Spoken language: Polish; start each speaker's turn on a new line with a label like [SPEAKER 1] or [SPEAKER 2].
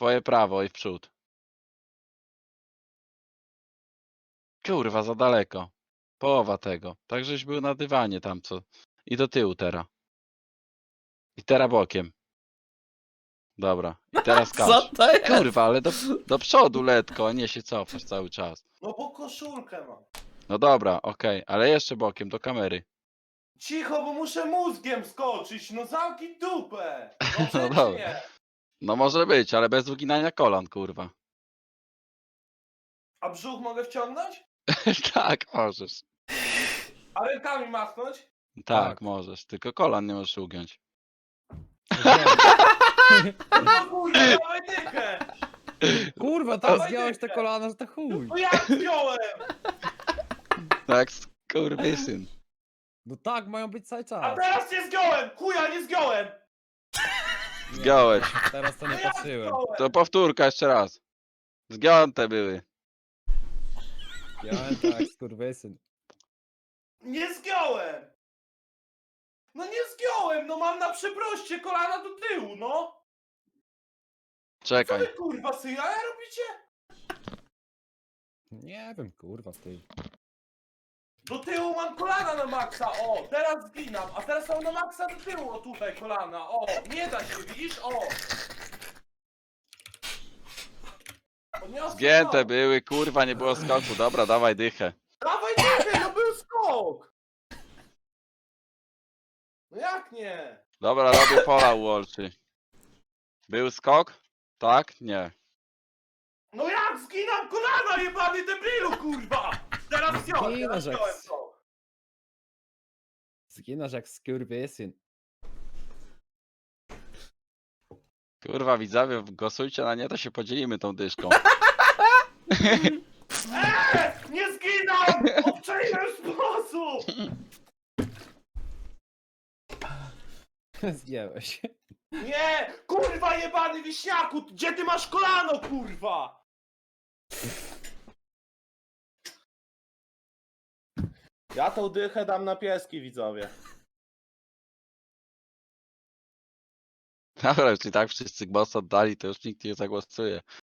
[SPEAKER 1] Twoje prawo i w przód. Kurwa, za daleko. Połowa tego. Tak żeś był na dywanie tam co. I do tyłu teraz. I teraz bokiem. Dobra. I teraz
[SPEAKER 2] Co
[SPEAKER 1] skacz.
[SPEAKER 2] to jest?
[SPEAKER 1] Kurwa, ale do przodu letko, a nie się cofasz cały czas.
[SPEAKER 3] No bo koszulkę mam.
[SPEAKER 1] No dobra, okej, ale jeszcze bokiem do kamery.
[SPEAKER 3] Cicho, bo muszę mózgiem skoczyć. No zamknij dupę. No
[SPEAKER 1] No
[SPEAKER 3] przecież
[SPEAKER 1] dobra.
[SPEAKER 3] nie.
[SPEAKER 1] No może być, ale bez uginania kolan, kurwa.
[SPEAKER 3] A brzuch mogę wciągnąć?
[SPEAKER 1] Tak, możesz.
[SPEAKER 3] A rękami machnąć?
[SPEAKER 1] Tak,
[SPEAKER 2] Tak.
[SPEAKER 1] możesz. Tylko kolan nie możesz ugiąć.
[SPEAKER 3] No kurwa, dawaj dychę.
[SPEAKER 2] Kurwa, tam
[SPEAKER 3] Dawaj
[SPEAKER 2] zgiąłeś te
[SPEAKER 3] dychę.
[SPEAKER 2] kolana, że to chuj.
[SPEAKER 3] No jak wziąłem?
[SPEAKER 1] Tak, skurwysyn.
[SPEAKER 2] No tak, mają być cały
[SPEAKER 3] A
[SPEAKER 2] czas.
[SPEAKER 3] teraz nie zgiąłem. Chuja, nie zgiąłem.
[SPEAKER 1] Zgiąłeś.
[SPEAKER 2] Teraz to
[SPEAKER 3] No
[SPEAKER 2] nie
[SPEAKER 3] jak
[SPEAKER 2] patrzyłem.
[SPEAKER 3] zgiąłem?
[SPEAKER 1] To powtórka jeszcze raz. Zgiąte były.
[SPEAKER 2] Ja tak, skurwysyn.
[SPEAKER 3] Nie zgiąłem. No nie zgiąłem. No mam na przeproście kolana do tyłu, no. Co
[SPEAKER 1] Czekaj.
[SPEAKER 3] wy kurwa syjaja robicie?
[SPEAKER 2] Nie wiem, kurwa, ty.
[SPEAKER 3] Do tyłu mam kolana na maksa, o, teraz zginam, a teraz mam na maksa do tyłu, o tutaj kolana, o, nie da się, widzisz, o. Podniosłem
[SPEAKER 1] Zgięte
[SPEAKER 3] to.
[SPEAKER 1] były, kurwa, nie było skoku. Dobra, dawaj dychę.
[SPEAKER 3] Dawaj dychę, no był skok. No jak nie?
[SPEAKER 1] Dobra, robię pola u Olczy. Był skok? Tak? Nie.
[SPEAKER 3] No jak zginam kolana, jebany debilu, kurwa. Teraz wziąłem, teraz
[SPEAKER 2] Zginasz jak
[SPEAKER 3] wziąłem
[SPEAKER 2] s-
[SPEAKER 3] to.
[SPEAKER 2] Zginasz jak skurwysyn.
[SPEAKER 1] Kurwa, widzowie, głosujcie na nie, to się podzielimy tą dyszką.
[SPEAKER 3] Nie zginam, obczaiłem sposób.
[SPEAKER 2] Zgięłeś.
[SPEAKER 3] Nie, kurwa jebany wiśniaku, gdzie ty masz kolano, kurwa? Ja tą dychę dam na pieski, widzowie.
[SPEAKER 1] Dobra, już i tak wszyscy głos oddali, to już nikt nie zagłosuje.